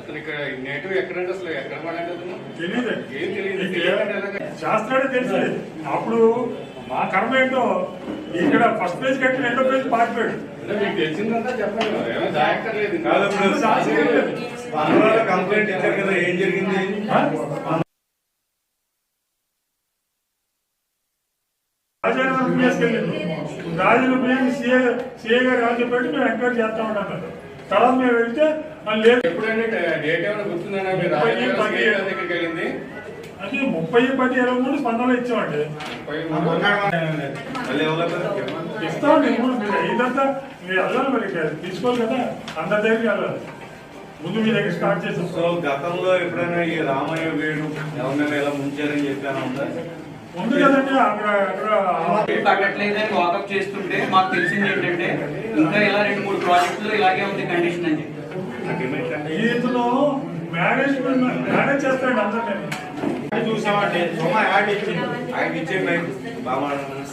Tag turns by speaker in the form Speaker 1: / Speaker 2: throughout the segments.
Speaker 1: అసలు ఇక్కడ నేటివ్ ఎక్కడంటే అసలు ఎక్కడ పడండి
Speaker 2: తెలియదు,
Speaker 1: ఏం తెలియదు.
Speaker 2: శాస్త్రాలు తెలుసు. అప్పుడు మా కర్మ ఏంటో ఇక్కడ ఫస్ట్ పేజ్ కట్టి రెండో పేజ్ పారిపోయాడు.
Speaker 1: మీకు తెలిసిందంతా చెప్పండి, ఏమో జాగ్రత్తలేదు.
Speaker 3: కంప్లైంట్ ఇచ్చారు కదా, ఏం జరిగింది?
Speaker 2: రాజానగరం తీసుకెళ్ళింది. రాజులు మేము సిఏ గారు రాజు పెట్టి మేము ఎంక్వైరీ చేస్తా ఉంటాం. తర్వాత మేము వెళ్తే లేదు.
Speaker 1: ఎప్పుడంటే డేట్ ఏమైనా గుర్తుందన్నా మీరు దగ్గరికి వెళ్ళింది?
Speaker 2: అది 30/10/23 స్పందనలో ఇచ్చామండి. ఇస్తామండి. మీరు ఇదంతా మీరు వెళ్ళాలి, మరి తీసుకోవాలి కదా, అందరి దగ్గరికి వెళ్ళాలి. ముందు మీ దగ్గర స్టార్ట్ చేసాం.
Speaker 3: సో గతంలో ఎప్పుడైనా ఈ రామయ్య వేడు ఎవరినైనా ఇలా ముంచారని చెప్పాను ఉందా?
Speaker 2: ఉంది కదండి. అక్కడ
Speaker 4: పట్టట్లేదని వాకప్ చేస్తుంటే మాకు తెలిసింది ఏంటంటే ఇంకా ఇలా 2-3 ప్రాజెక్టులు ఇలాగే ఉంది కండిషన్ అని చెప్పి
Speaker 2: ఈతలో మేనేజ్ చేస్తాడు అందరినీ.
Speaker 3: చూసామంటే సొమ్మ యాడ్ ఇచ్చింది, ఆయన ఇచ్చేయండి బాగా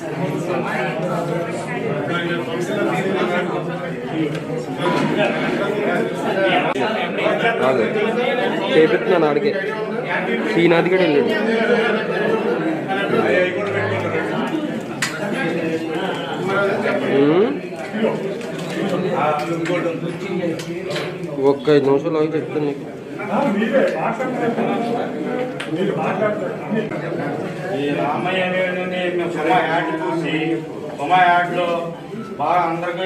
Speaker 5: చేపిస్తున్నాను ఆడికి శ్రీనాథ్ గడు వెళ్ళాడు. ఒక్క 5 నిమిషాలు అవి చెప్తాను నీకు.
Speaker 3: ఈ రామయ్య మేము సొమ్మ యాడ్ చూసి సొమ్మ యాడ్ లో బాగా అందరికీ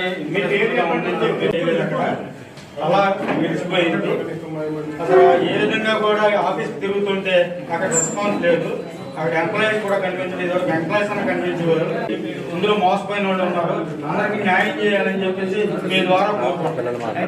Speaker 3: అలా విడిచిపోయింది. అసలు ఏ విధంగా కూడా ఆఫీస్ తిరుగుతుంటే అక్కడ రెస్పాన్స్ లేదు. అక్కడ ఎంప్లాయీస్ కూడా కనిపించలేదు. ఎంప్లాయీస్ అని కనిపించేవారు. ఇందులో మోసపోయిన వాళ్ళు ఉన్నారు. అందరికీ న్యాయం చేయాలని చెప్పేసి మీ ద్వారా కోరుకుంటున్నాను.